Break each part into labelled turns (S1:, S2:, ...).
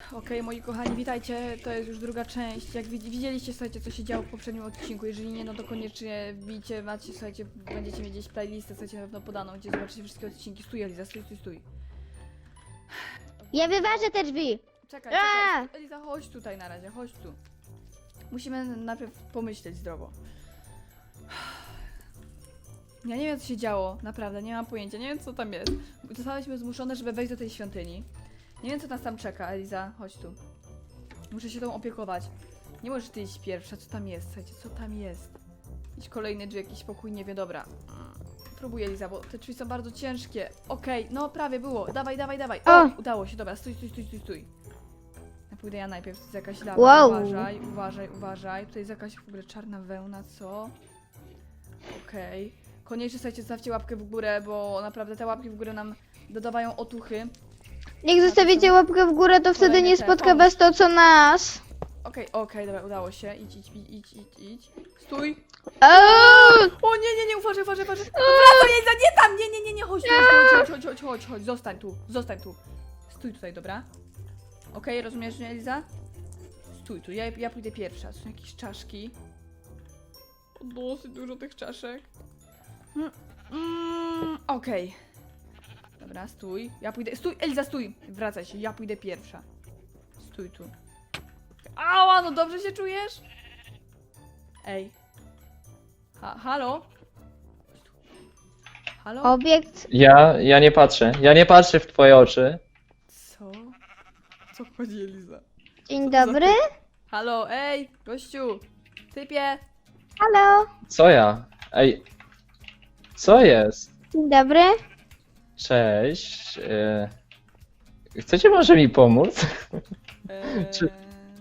S1: Okej, moi kochani, witajcie. To jest już druga część. Jak widzieliście, słuchajcie, co się działo w poprzednim odcinku. Jeżeli nie, no to koniecznie wbijcie, macie, słuchajcie, będziecie mieć gdzieś playlistę, słuchajcie, na pewno podaną, gdzie zobaczycie wszystkie odcinki. Stój, Eliza, stój.
S2: Ja wyważę te drzwi.
S1: Czekaj. Eliza, chodź tutaj na razie, chodź tu. Musimy najpierw pomyśleć zdrowo. Ja nie wiem, co się działo, naprawdę, nie mam pojęcia, nie wiem, co tam jest. Zostałyśmy zmuszone, żeby wejść do tej świątyni. Nie wiem, co nas tam czeka, Eliza, chodź tu. Muszę się tą opiekować. Nie możesz ty iść pierwsza, co tam jest, słuchajcie, co tam jest? Idź kolejny drzwi, jakiś pokój, nie wiem, dobra. Próbuję, Eliza, bo te drzwi są bardzo ciężkie. Okej, no prawie było, dawaj. O, udało się, dobra, stój. Ja pójdę ja najpierw, to jest jakaś lawa,
S2: Wow.
S1: uważaj. Tutaj jest jakaś w ogóle czarna wełna, co? Okej. Koniecznie, słuchajcie, zostawcie łapkę w górę, bo naprawdę te łapki w górę nam dodawają otuchy.
S2: Jak zostawicie łapkę w górę, to wtedy
S1: Kolejne
S2: nie
S1: te,
S2: spotka
S1: pomóż.
S2: was to, co nas.
S1: Okej, dobra, udało się. Idź. Stój!
S2: Eee!
S1: O nie, uważaj! Wracaj, Eliza, nie tam! Nie, chodź, zostań tu. Stój tutaj, dobra? Okej, rozumiesz mnie, Eliza? Stój tu, ja pójdę pierwsza. Są jakieś czaszki. O, dosyć dużo tych czaszek. Okej. Dobra, stój. Ja pójdę. Stój, Eliza, stój! Wracaj się, ja pójdę pierwsza. Stój tu. Ała, no dobrze się czujesz? Ej. Halo? Halo?
S2: Obiekt.
S3: Ja nie patrzę. Ja nie patrzę w twoje oczy.
S1: Co? Co chodzi, Eliza?
S2: Dzień dobry.
S1: Halo, ej, gościu! Typie!
S2: Halo.
S3: Co ja? Ej. Co jest?
S2: Dzień dobry.
S3: Cześć. Chcecie może mi pomóc? Czy-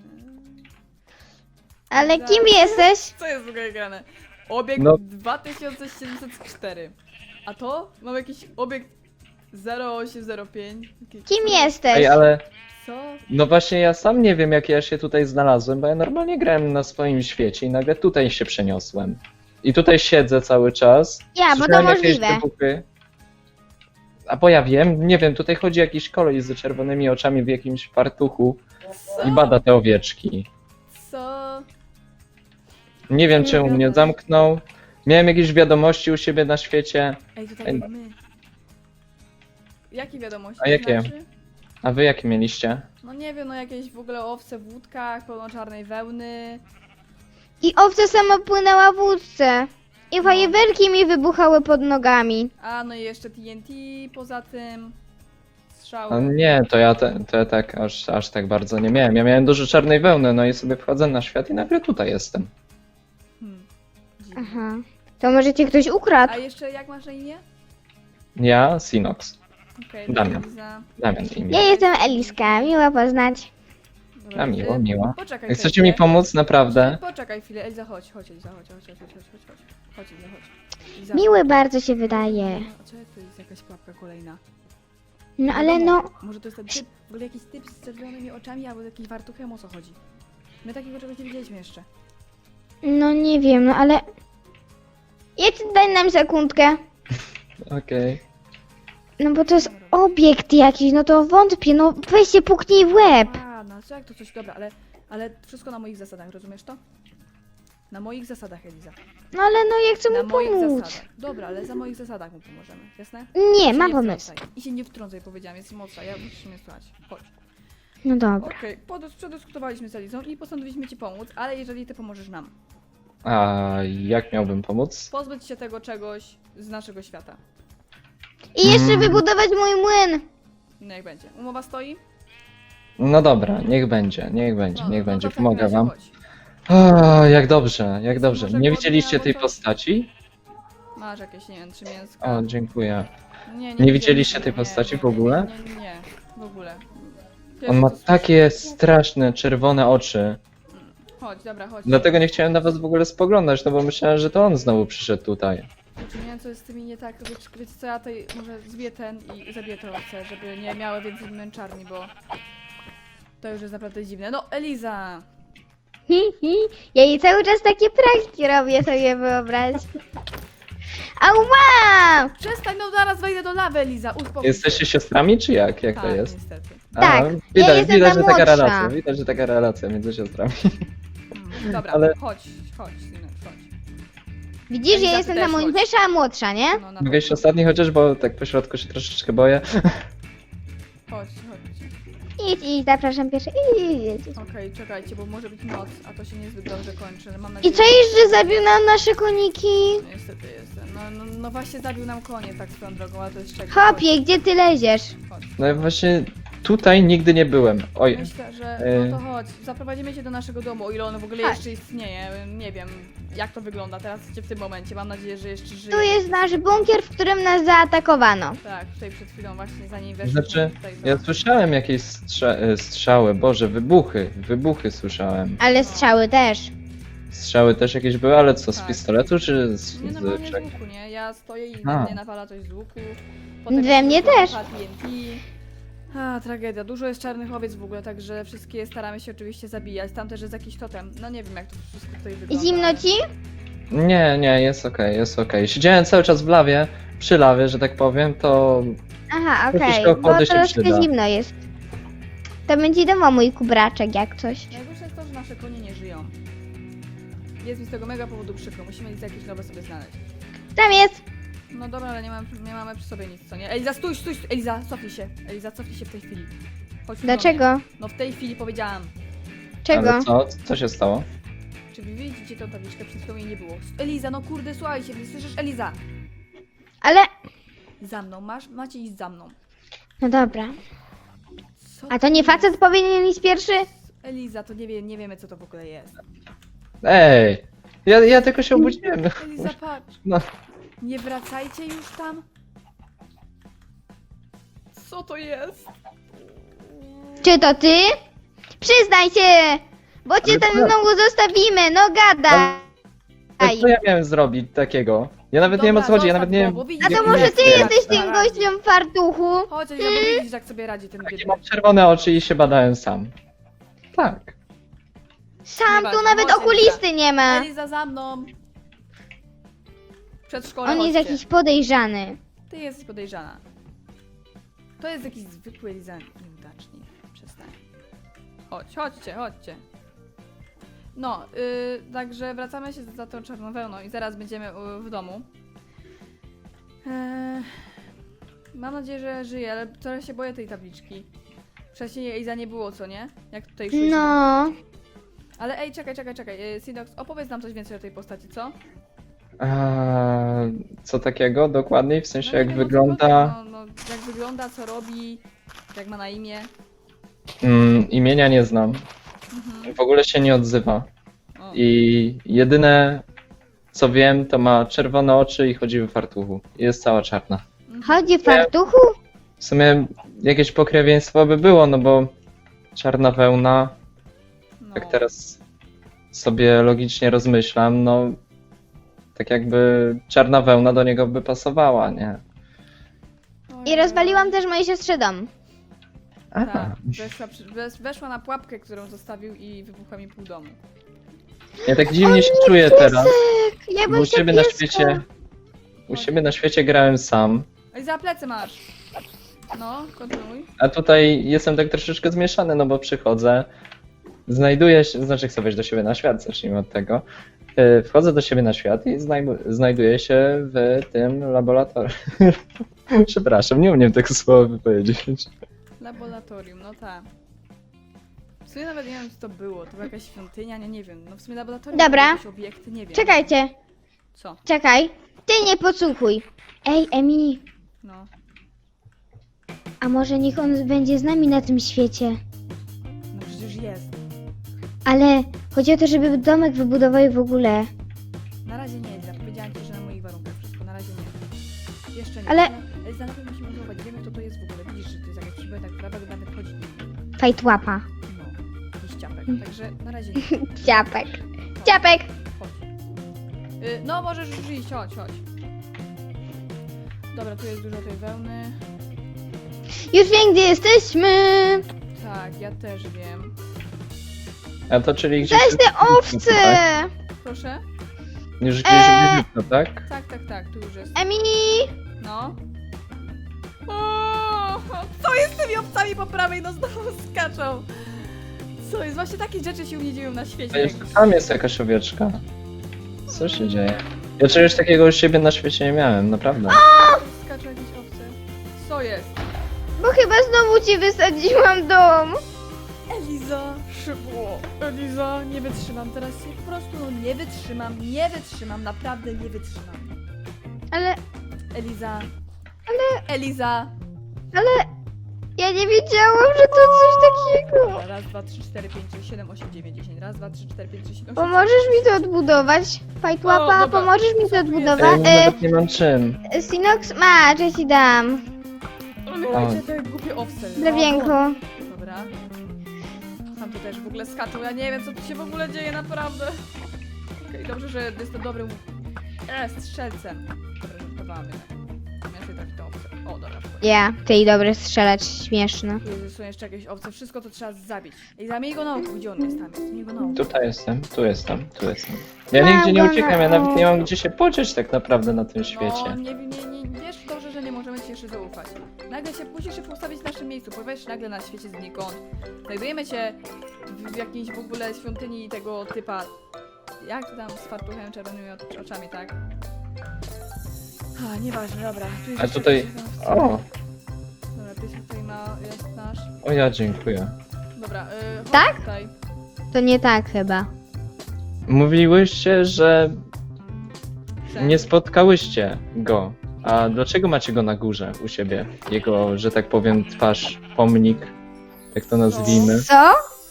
S2: Ale
S1: Za-
S2: kim jesteś?
S1: Co jest w ogóle grane? Obiekt
S3: No.
S1: 2704. A to? Mam jakiś obiekt 0805.
S2: Kim jesteś?
S3: Ej, ale
S1: Co?
S3: no właśnie ja sam nie wiem jak ja się tutaj znalazłem, bo ja normalnie grałem na swoim świecie i nagle tutaj się przeniosłem. I tutaj siedzę cały czas.
S2: Ja, bo to
S3: Słyszałem jakieś
S2: możliwe.
S3: wybuchy. A bo ja wiem, nie wiem, tutaj chodzi jakiś koleś z czerwonymi oczami w jakimś fartuchu
S1: Co?
S3: i bada te owieczki.
S1: Co?
S3: Nie wiem
S1: Co
S3: czemu mnie
S1: gadasz?
S3: zamknął. Miałem jakieś wiadomości u siebie na świecie.
S1: Ej, to tak
S3: Ej.
S1: jak my. Jakie wiadomości?
S3: A jakie?
S1: Znaczy?
S3: A wy jakie mieliście?
S1: No nie wiem, no jakieś w ogóle owce w łódkach, pełno czarnej wełny.
S2: I owca sama płynęła w łódce. I fajerwerki mi wybuchały pod nogami.
S1: A no i jeszcze TNT poza tym. Strzały.
S3: No nie, to ja tak aż tak bardzo nie miałem. Ja miałem dużo czarnej wełny, no i sobie wchodzę na świat i nagle tutaj jestem.
S1: Dziwne.
S2: Aha. To może cię ktoś ukradł?
S1: A jeszcze jak masz na imię?
S3: Ja, Sinox.
S1: Okej,
S3: Damian.
S1: Eliza.
S3: Damian imię.
S2: Ja jestem Eliska, miło poznać.
S1: Dobra,
S3: A miło.
S1: Poczekaj.
S3: Chcecie
S1: chwilę.
S3: mi pomóc, naprawdę?
S1: Poczekaj chwilę, Eliza, chodź, Eliza, chodź. Chodź, Eliza, chodź. Eliza.
S2: Miły bardzo się wydaje.
S1: A co to jest jakaś pułapka kolejna?
S2: No ale no,
S1: Może to jest ten typ, w ogóle jakiś typ z czerwonymi oczami albo z jakimś wartuchem, o co chodzi? My takiego czegoś nie widzieliśmy jeszcze.
S2: no nie wiem, no ale... Daj nam sekundkę.
S3: Okej.
S2: No bo to jest obiekt jakiś, no to wątpię, no weź się puknij w łeb.
S1: A, no co jak to coś, dobra, ale wszystko na moich zasadach, rozumiesz to? Na moich zasadach, Eliza.
S2: No ale no ja chcę
S1: Na
S2: mu
S1: moich
S2: pomóc.
S1: zasadach. Dobra, ale za moich zasadach mu pomożemy, jasne?
S2: Nie,
S1: Się
S2: mam
S1: nie
S2: pomysł.
S1: wtrącaj. I się nie wtrącaj, powiedziałam, jest mocna, musisz mnie słuchać. Chodź.
S2: No dobra.
S1: Okej, przedyskutowaliśmy z Elizą i postanowiliśmy ci pomóc, ale jeżeli ty pomożesz nam,
S3: A jak miałbym pomóc?
S1: pozbyć się tego czegoś z naszego świata.
S2: I jeszcze wybudować mój młyn.
S1: No jak będzie. Umowa stoi?
S3: No dobra, niech będzie,
S1: No to w takim
S3: pomogę
S1: razie
S3: wam.
S1: chodź.
S3: Jak dobrze, jak dobrze.
S1: Może
S3: Nie
S1: głodny
S3: widzieliście
S1: albo
S3: tej
S1: coś?
S3: postaci?
S1: Masz jakieś, nie wiem, 3 mięska.
S3: O, dziękuję.
S1: Nie
S3: widzieliście tej postaci w ogóle?
S1: Nie, w ogóle.
S3: On ma
S1: Pierwszy, co
S3: takie straszne, czerwone oczy.
S1: słyszę- Chodź, dobra, chodź.
S3: Dlatego nie chciałem na was w ogóle spoglądać, no bo myślałem, że to on znowu przyszedł tutaj.
S1: Znaczy, nie wiem, co jest z tymi nie tak. Wiecie co, ja tutaj może zbiję ten i zabiję te owce, żeby nie miały więcej męczarni, bo to już jest naprawdę dziwne. No, Eliza!
S2: Ja jej cały czas takie pranki robię, sobie wyobraź. Ała!
S1: Przestań, no zaraz wejdę do lawy, Eliza, uspokój się.
S3: Jesteście siostrami, czy jak? Jak to
S1: Tak,
S3: jest?
S1: niestety.
S2: Tak, ja
S3: widać,
S2: jestem
S3: widać,
S2: ta
S3: że taka
S2: młodsza.
S3: relacja. Widać, że taka relacja między siostrami.
S1: Dobra,
S3: Ale-
S1: chodź, synek, chodź.
S2: Widzisz,
S1: Eliza,
S2: ja
S1: ty
S2: jestem
S1: też
S2: ta
S1: chodź.
S2: młodsza, a młodsza, nie?
S1: No, na
S3: Mogę iść ostatni chociaż, bo tak po środku się troszeczkę boję.
S1: Chodź.
S2: Idź, zapraszam pierwszy. Idź.
S1: Okej, czekajcie, bo może być noc, a to się niezbyt dobrze kończy. ale Mam
S2: I
S1: nadzieję,
S2: co jeszcze zabił nam nasze koniki?
S1: że... Niestety jestem. No właśnie zabił nam konie tak swoją drogą, ale to jest czego.
S2: Hopie, gdzie ty leziesz?
S1: Chodź.
S3: No i właśnie tutaj nigdy nie byłem. Oj,
S1: Myślę, że no to chodź, zaprowadzimy cię do naszego domu, o ile on w ogóle
S2: Chodź.
S1: jeszcze istnieje. Nie wiem, jak to wygląda teraz w tym momencie. Mam nadzieję, że jeszcze żyje.
S2: Tu jest nasz bunkier, w którym nas zaatakowano.
S1: Tak, tutaj przed chwilą właśnie zanim weszliśmy.
S3: znaczy,
S1: tutaj
S3: ja słyszałem jakieś strzały, boże, wybuchy słyszałem.
S2: Ale strzały też.
S3: Strzały też jakieś były, ale co, z
S1: Tak.
S3: pistoletu czy z
S1: Nie, normalnie z
S3: czego?
S1: łuku, nie? Ja stoję i
S3: A.
S1: we mnie nawala coś z łuku.
S2: We mnie też.
S1: TNT. A, tragedia. Dużo jest czarnych owiec w ogóle, także wszystkie staramy się oczywiście zabijać. Tam też jest jakiś totem. No nie wiem, jak to wszystko tutaj wygląda.
S2: Zimno ci?
S3: Nie, jest okej, jest okej. Siedziałem cały czas w lawie, przy lawie, że tak powiem, to
S2: Aha,
S3: Troszeczkę
S2: okej, bo
S3: ochłody się
S2: troszkę
S3: przyda.
S2: zimno jest. To będzie domo mój kubraczek jak coś.
S1: Najgorsze jest to, że nasze konie nie żyją. Jest mi z tego mega powodu przykro. Musimy jakieś nowe sobie znaleźć.
S2: Tam jest!
S1: No dobra, ale nie mamy przy sobie nic, co nie? Eliza, stój! Eliza, cofnij się! Eliza, cofnij się w tej chwili. Chodź tu do mnie.
S2: Dlaczego?
S1: No w tej chwili powiedziałam.
S2: Czego?
S3: ale co się stało?
S1: Czy wy widzicie tą tabliczkę? Przed chwilą jej nie było. Eliza, no kurde, słuchajcie, nie słyszysz? Eliza!
S2: Ale...
S1: Za mną, macie iść za mną.
S2: No dobra.
S1: Co
S2: A to nie
S1: jest?
S2: facet powinien iść pierwszy?
S1: Eliza, to nie wiemy co to w ogóle jest.
S3: Ej! Ja tylko się obudziłem.
S1: Eliza, patrz!
S3: No.
S1: Nie wracajcie już tam! Co to jest?
S2: Czy to ty? Przyznaj się! Bo cię
S3: Ale
S2: tam
S3: co?
S2: znowu zostawimy, no gadaj!
S3: Ale co ja miałem zrobić takiego? Ja nawet nie wiem o co chodzi, ja nawet nie wiem.
S1: Bo widzisz,
S2: A to
S1: jak
S2: może
S1: sobie
S2: ty
S1: radzi.
S2: jesteś tym gościem w fartuchu?
S1: Chodź, Eliza, bo widzisz jak sobie radzi ten biedny.
S3: Mam czerwone oczy i się badałem sam. Tak.
S2: Sam tu
S1: Nieważne,
S2: nawet
S1: chodź,
S2: okulisty nie ma.
S1: Eliza, za mną! Przedszkole,
S2: On jest
S1: chodźcie.
S2: jakiś podejrzany.
S1: Ty jesteś podejrzana. To jest jakiś zwykły Eliza nieudacznik. Przestań. Chodźcie. No, także wracamy się za tą czarną wełną i zaraz będziemy w domu. Mam nadzieję, że żyje, ale trochę się boję tej tabliczki. Wcześniej Eliza nie było, co nie? Jak tutaj szliśmy.
S2: No.
S1: Ale ej, czekaj. Sidox, opowiedz nam coś więcej o tej postaci, co?
S3: Co takiego dokładniej? W sensie
S1: No nie
S3: jak
S1: wiem, o co
S3: wygląda?
S1: chodzi, no, jak wygląda, co robi, jak ma na imię.
S3: Imienia nie znam.
S1: Mhm.
S3: W ogóle się nie odzywa.
S1: O.
S3: I jedyne co wiem, to ma czerwone oczy i chodzi w fartuchu. I jest cała czarna.
S2: Chodzi w fartuchu?
S3: W sumie jakieś pokrewieństwo by było, no bo czarna wełna,
S1: No.
S3: jak teraz sobie logicznie rozmyślam, no tak jakby czarna wełna do niego by pasowała, nie?
S2: I rozwaliłam też mojej siostrze dom.
S3: Aha.
S1: Tak, weszła na pułapkę, którą zostawił i wybuchła mi pół domu.
S3: Ja tak dziwnie się czuję teraz.
S2: Ja
S3: Bo
S2: bym
S3: u siebie na świecie. U siebie na świecie grałem sam.
S1: Ej, za plecy masz! No, kontynuuj.
S3: A tutaj jestem tak troszeczkę zmieszany, no bo przychodzę, znajduję się, znaczy chcę wejść do siebie na świat, zacznijmy od tego. Wchodzę do siebie na świat i znajduję się w tym laboratorium. Przepraszam, nie umiem tego słowa wypowiedzieć.
S1: Laboratorium, no tak. W sumie nawet nie wiem, co to było. To była jakaś świątynia, nie wiem. No w sumie laboratorium,
S2: Dobra.
S1: jakieś obiekty, nie wiem.
S2: Czekajcie,
S1: Co?
S2: czekaj. Ty nie podsłuchuj. Ej, Emi,
S1: No.
S2: a może niech on będzie z nami na tym świecie?
S1: No przecież jest.
S2: Ale chodzi o to, żeby domek wybudował w ogóle.
S1: Na razie nie, Eliza. Powiedziałam ci, że na moich warunkach wszystko. Na razie nie. Jeszcze nie.
S2: Ale-
S1: Eliza, najpierw musimy zauważyć. Wiemy, kto to jest w ogóle. Widzisz, że to jest jakaś przybytek, która będę wchodzić.
S2: Fajtłapa.
S1: No. Jakiś ciapek. Także na razie nie.
S2: Ciapek. Ciapek!
S1: Chodź. No, możesz już iść, chodź. Dobra, tu jest dużo tej wełny.
S2: Już wiem, gdzie jesteśmy!
S1: Tak, ja też wiem.
S3: A to czyli gdzieś...
S2: Zaś te owce!
S1: Proszę?
S3: Już gdzieś blisko, tak?
S1: Tak, tu już jest.
S2: Emily!
S1: No. O, co jest z tymi owcami po prawej? No znowu skaczą. Co jest? Właśnie takie rzeczy się u mnie dzieją na świecie.
S3: Tam jest jakaś owieczka. Co się dzieje? Ja czegoś takiego u siebie na świecie nie miałem, naprawdę.
S1: Skaczą jakieś owce. Co jest?
S2: Bo chyba znowu ci wysadziłam dom.
S1: Eliza, szybko. Eliza, nie wytrzymam teraz się. Po prostu no nie wytrzymam, naprawdę nie wytrzymam.
S2: Ale
S1: Eliza.
S2: ja nie wiedziałam, że to coś takiego.
S1: Dobra, raz, dwa, trzy, cztery, pięć, sześć, siedem, osiem, dziewięć, 10. Raz, dwa, trzy, cztery, pięć, sześć, siedem, osiem.
S2: Pomożesz mi to odbudować? Fajtłapa,
S1: O, dobra.
S2: pomożesz mi to
S3: Ej,
S2: odbudować?
S3: nawet nie mam czym.
S2: Sinox, masz, ja ci dam.
S1: Umywajcie te głupie owce.
S2: Drewienko.
S1: Dobra. Tam to też w ogóle skaczą, ja nie wiem co tu się w ogóle dzieje, naprawdę. Okej, dobrze, że jestem dobrym strzelcem. Dobra, żartowałam jednak. Ja sobie trafi te owce. O, dobra.
S2: Ja, ty dobry strzelać, śmieszne.
S1: Tu są jeszcze jakieś owce, wszystko to trzeba zabić. Ej, zamiej go na oku, gdzie on jest? Tam jest, miej go na oku.
S3: Tutaj jestem, tu jestem. Ja
S2: Mam
S3: nigdzie nie
S2: go
S3: uciekam,
S2: na
S3: ja nawet nie mam
S2: oku.
S3: gdzie się podzieć tak naprawdę na tym
S1: No,
S3: świecie.
S1: nie wiesz dobrze, że nie możemy ci jeszcze zaufać. Nagle się musisz się postawić w naszym miejscu, pojawiasz się nagle na świecie znikąd. Znajdujemy się w jakiejś w ogóle świątyni tego typa. Jak to tam z fartuchem czerwonymi oczami, tak? A, nieważne, dobra. Tu jest
S3: A
S1: jeszcze
S3: tutaj...
S1: jakiś tam-
S3: O,
S1: Dobra, ty tutaj jest nasz.
S3: o ja dziękuję.
S1: Dobra, chodź
S2: Tak?
S1: tutaj.
S2: To nie tak chyba.
S3: Mówiłyście, że
S1: Że-
S3: nie spotkałyście go. A dlaczego macie go na górze u siebie? Jego, że tak powiem, twarz, pomnik, jak to nazwijmy.
S2: Co?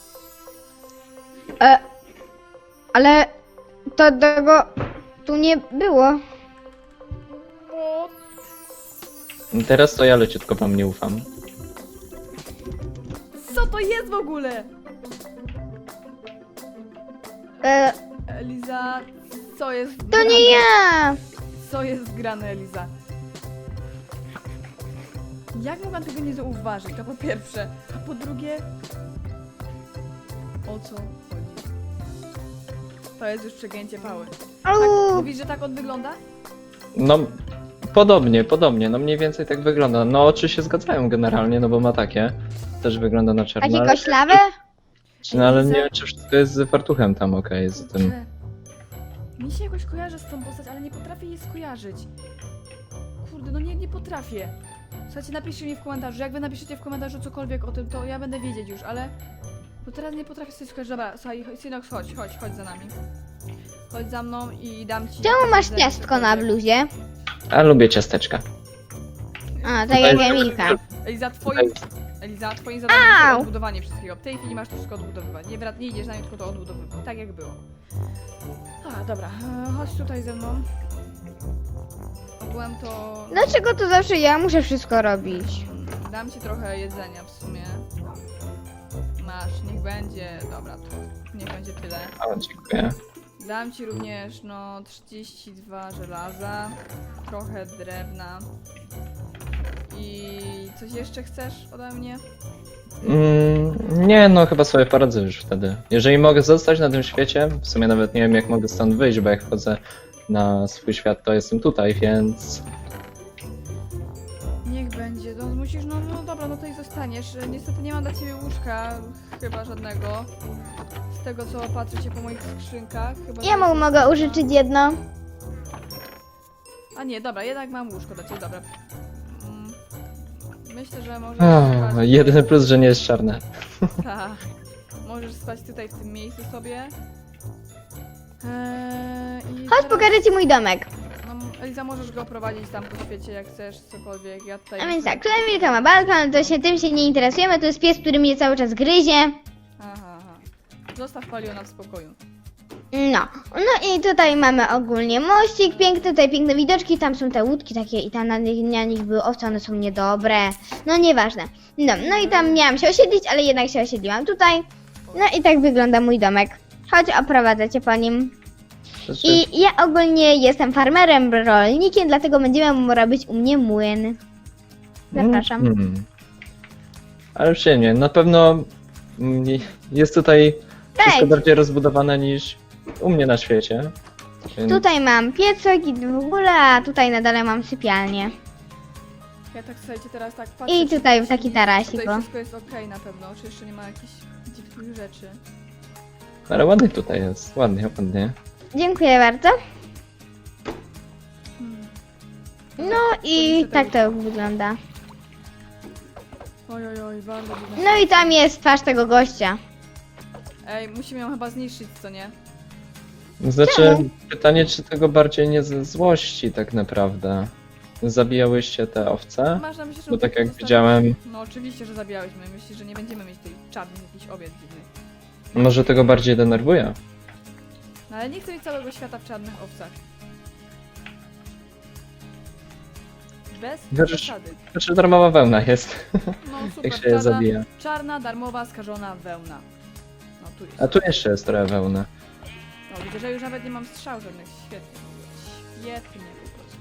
S2: Ale to tego tu nie było.
S1: O,
S3: Teraz to ja leciutko wam nie ufam.
S1: co to jest w ogóle?
S2: E,
S1: Eliza, co jest
S2: to
S1: grane?
S2: nie ja!
S1: Co jest grane, Eliza? Jak mogłam tego nie zauważyć? To po pierwsze. A po drugie... O co chodzi? To jest już przegięcie pały. Tak,
S2: Au.
S1: mówisz, że tak on wygląda?
S3: No, podobnie, no mniej więcej tak wygląda. No oczy się zgadzają generalnie, no bo ma takie. Też wygląda na czarno.
S2: Takie
S3: ale-
S2: koślawe?
S3: No ale nie wiem, czy wszystko jest z fartuchem tam okej, z tym.
S1: Kurczę. Mi się jakoś kojarzy z tą postać, ale nie potrafię jej skojarzyć. Kurde, no nie potrafię. Słuchajcie, napiszcie mi w komentarzu. Jak wy napiszecie w komentarzu cokolwiek o tym, to ja będę wiedzieć już, ale... Bo teraz nie potrafię sobie skojarzyć. Dobra, słuchaj, Synox, chodź za nami. Chodź za mną i dam ci...
S2: Czemu masz
S1: jedzenie,
S2: ciastko na
S1: cokolwiek.
S2: bluzie?
S3: A lubię ciasteczka.
S2: A, tak jak Emilka.
S1: Eliza, twoim zadaniem jest
S2: Au!
S1: odbudowanie wszystkiego. W tej chwili masz to wszystko odbudowywać. Nie idziesz na nie, tylko to odbudowywać. Tak jak było. A, dobra. Chodź tutaj ze mną. Ogółem to...
S2: Dlaczego to zawsze ja muszę wszystko robić?
S1: Dam ci trochę jedzenia w sumie. Masz, niech będzie. Dobra, to niech będzie tyle.
S3: O, dziękuję.
S1: Dam ci również, no, 32 żelaza, trochę drewna. I coś jeszcze chcesz ode mnie?
S3: Nie, no chyba sobie poradzę już wtedy. Jeżeli mogę zostać na tym świecie, w sumie nawet nie wiem jak mogę stąd wyjść, bo jak wchodzę na swój świat, to jestem tutaj, więc...
S1: Niech będzie, no musisz, no dobra, no to i zostaniesz. Niestety nie mam dla ciebie łóżka, chyba żadnego. Z tego co patrzę się po moich skrzynkach, chyba...
S2: Ja
S1: że-
S2: mogę użyczyć jedno.
S1: A nie, dobra, jednak mam łóżko dla ciebie, dobra. Myślę, że możesz
S3: O,
S1: spać...
S3: jedyny plus, że nie jest czarne.
S1: Tak. Możesz spać tutaj w tym miejscu sobie. I
S2: Chodź,
S1: teraz-
S2: pokażę ci mój domek.
S1: No, Eliza, możesz go prowadzić tam po świecie jak chcesz, cokolwiek. Ja tutaj...
S2: A więc tak, tu Emilka ma balkon, to się tym się nie interesujemy, to jest pies, który mnie cały czas gryzie.
S1: Aha. Zostaw Paliona w spokoju.
S2: No i tutaj mamy ogólnie mościk piękny, tutaj piękne widoczki, tam są te łódki takie i tam na nich były owce, one są niedobre. No nieważne. No i tam miałam się osiedlić, ale jednak się osiedliłam tutaj. No i tak wygląda mój domek. Chodź, oprowadzę cię po nim.
S3: Znaczy,
S2: I ja ogólnie jestem farmerem, rolnikiem, dlatego będziemy robić u mnie młyn. Zapraszam.
S3: Ale przyjemnie, na pewno jest tutaj wszystko
S2: Wejdź.
S3: bardziej rozbudowane niż u mnie na świecie. Więc...
S2: Tutaj mam piecek i w ogóle, a tutaj na dole mam sypialnię.
S1: Ja tak, słuchajcie, teraz tak patrzę.
S2: I
S1: czy
S2: tutaj
S1: nic
S2: taki
S1: nie-
S2: tarasik,
S1: Tutaj
S2: o.
S1: wszystko jest okej na pewno, czy jeszcze nie ma jakichś dziwnych rzeczy.
S3: Ale ładnie tutaj jest, ładnie, ładnie.
S2: Dziękuję bardzo.
S1: Hmm.
S2: No i tak to wygląda.
S1: Oj, oj, oj, bardzo dziwne.
S2: No i tam jest twarz tego gościa.
S1: Ej, musimy ją chyba zniszczyć, co nie?
S3: Znaczy,
S2: Czemu?
S3: pytanie, czy tego bardziej nie ze złości tak naprawdę. Zabijałyście te owce?
S1: Masz na myśli, że
S3: Bo
S1: on
S3: tak
S1: po
S3: jak
S1: prostu
S3: widziałem,
S1: No oczywiście, że zabijałyśmy. Myślisz, że nie będziemy mieć tej czarnych jakichś owiec dziwnych.
S3: może tego bardziej denerwuje.
S1: No ale nie chcę mieć całego świata w czarnych owcach. Bez
S3: Chociaż-
S1: przesady.
S3: Znaczy, darmowa wełna jest,
S1: No super,
S3: jak się je zabija.
S1: czarna, darmowa, skażona wełna. No tu jest.
S3: A tu jeszcze jest trochę wełny.
S1: No widzę, że już nawet nie mam strzał żadnych. Świetnie. Świetnie po prostu.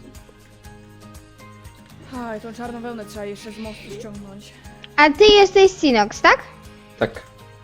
S1: Aj, tą czarną wełnę trzeba jeszcze z mostu ściągnąć.
S2: A ty jesteś Sinox, tak?
S3: Tak.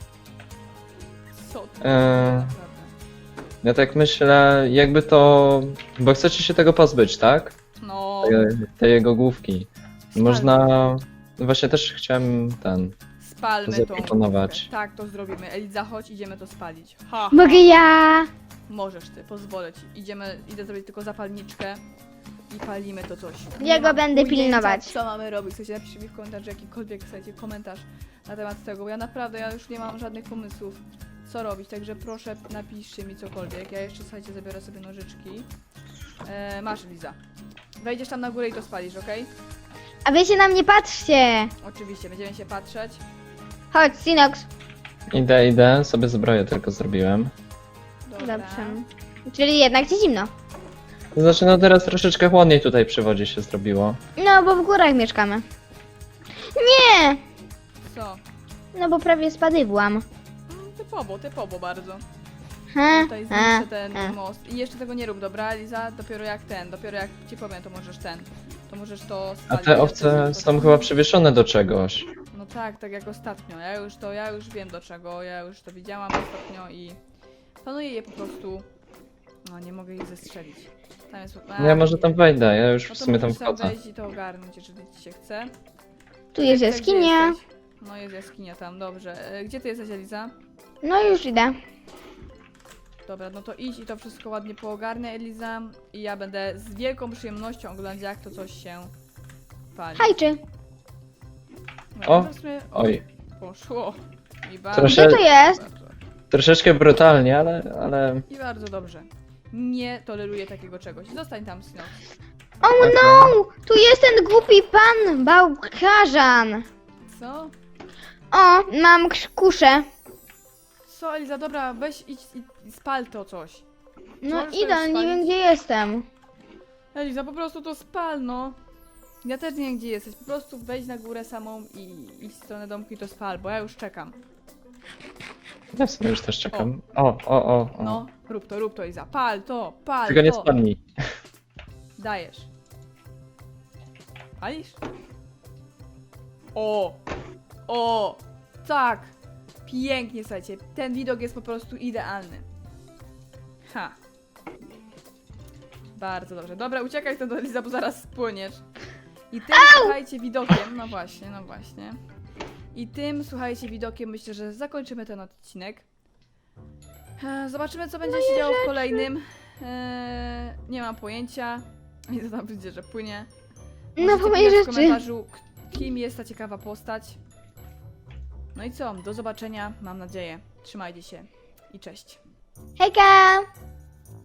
S1: Co to?
S3: Eee. Ja tak myślę, jakby to... Bo chcecie się tego pozbyć, tak?
S1: No,
S3: Tej jego główki. Można... Właśnie też chciałem
S1: spalmy tą
S3: zaproponować.
S1: główkę. Tak, to zrobimy. Eliza, chodź, idziemy to spalić. Ha!
S2: Mogę ja.
S1: Możesz ty, pozwolę ci. Idę zrobić tylko zapalniczkę i palimy to coś.
S2: Ja
S1: Nie
S2: go
S1: mam
S2: będę
S1: pojęcia,
S2: pilnować.
S1: Co mamy robić? Słuchajcie, napiszcie mi w komentarzu jakikolwiek, słuchajcie, komentarz na temat tego, bo ja naprawdę, ja już nie mam żadnych pomysłów, co robić, także proszę napiszcie mi cokolwiek. Ja jeszcze, słuchajcie, zabiorę sobie nożyczki. Masz, Liza. Wejdziesz tam na górę i to spalisz, okej?
S2: A wy się na mnie patrzcie.
S1: Oczywiście, będziemy się patrzeć.
S2: Chodź, Sinox.
S3: Idę, sobie zbroję tylko zrobiłem.
S1: Dobra.
S2: Dobrze. Czyli jednak ci zimno.
S3: To znaczy, no teraz troszeczkę chłodniej tutaj przy wodzie się zrobiło.
S2: No, bo w górach mieszkamy. Nie!
S1: Co?
S2: No bo prawie spadywłam.
S1: Typowo bardzo.
S2: Ha,
S1: Tutaj
S2: ha,
S1: zniszczę ten
S2: ha.
S1: most. I jeszcze tego nie rób, dobra, Liza? Dopiero jak ci powiem, to możesz to możesz to
S3: A
S1: spalić.
S3: te owce są chyba przywieszone do czegoś.
S1: No tak jak ostatnio. Ja już wiem do czego, ja już to widziałam ostatnio i planuję je po prostu. No nie mogę ich zestrzelić. Tam jest.
S3: No ja może tam wejdę, ja już
S1: No
S3: w
S1: to
S3: sumie tam
S1: możesz tam
S3: wchodzę.
S1: wejść i to ogarnąć, jeżeli ci się chce.
S2: Tu jest
S1: Gdzie
S2: jaskinia.
S1: jesteś? No jest jaskinia tam, dobrze. Gdzie ty jesteś, Eliza?
S2: No już idę.
S1: Dobra, no to idź i to wszystko ładnie poogarnę, Eliza. I ja będę z wielką przyjemnością oglądać, jak to coś się pali.
S2: Hajczy.
S1: No,
S3: O,
S1: to w sumie
S3: Oj,
S1: poszło. I bardzo,
S3: Proszę-
S2: Gdzie to jest?
S3: troszeczkę brutalnie, ale...
S1: I bardzo dobrze. Nie toleruję takiego czegoś. Zostań tam, Snow.
S2: Oh no! Tu jest ten głupi pan bałkarzan.
S1: Co?
S2: O, mam kuszę.
S1: Co, Eliza, dobra, weź idź i spal to coś.
S2: No
S1: Możesz to
S2: idę,
S1: już
S2: nie wiem
S1: spalić?
S2: gdzie jestem.
S1: Eliza, po prostu to spal, no. Ja też nie wiem, gdzie jesteś. Po prostu wejdź na górę samą i idź w stronę domku i to spal, bo ja już czekam.
S3: Ja w sumie już też czekam. O.
S1: No, rób to, Eliza. Pal to, pal
S3: Tylko nie
S1: to.
S3: spadnij.
S1: Dajesz. Palisz? O, tak. Pięknie, słuchajcie. Ten widok jest po prostu idealny. Ha. Bardzo dobrze. Dobra, uciekaj stąd, Eliza, bo zaraz spłyniesz. I tym, słuchajcie, widokiem, no właśnie. I tym, słuchajcie, widokiem myślę, że zakończymy ten odcinek. Zobaczymy, co będzie się działo w kolejnym. Nie mam pojęcia. I to tam będzie, że płynie.
S2: No
S1: Możecie
S2: po mojej
S1: pisać w
S2: rzeczy.
S1: komentarzu, kim jest ta ciekawa postać. No i co? Do zobaczenia, mam nadzieję. Trzymajcie się i cześć.
S2: Hejka!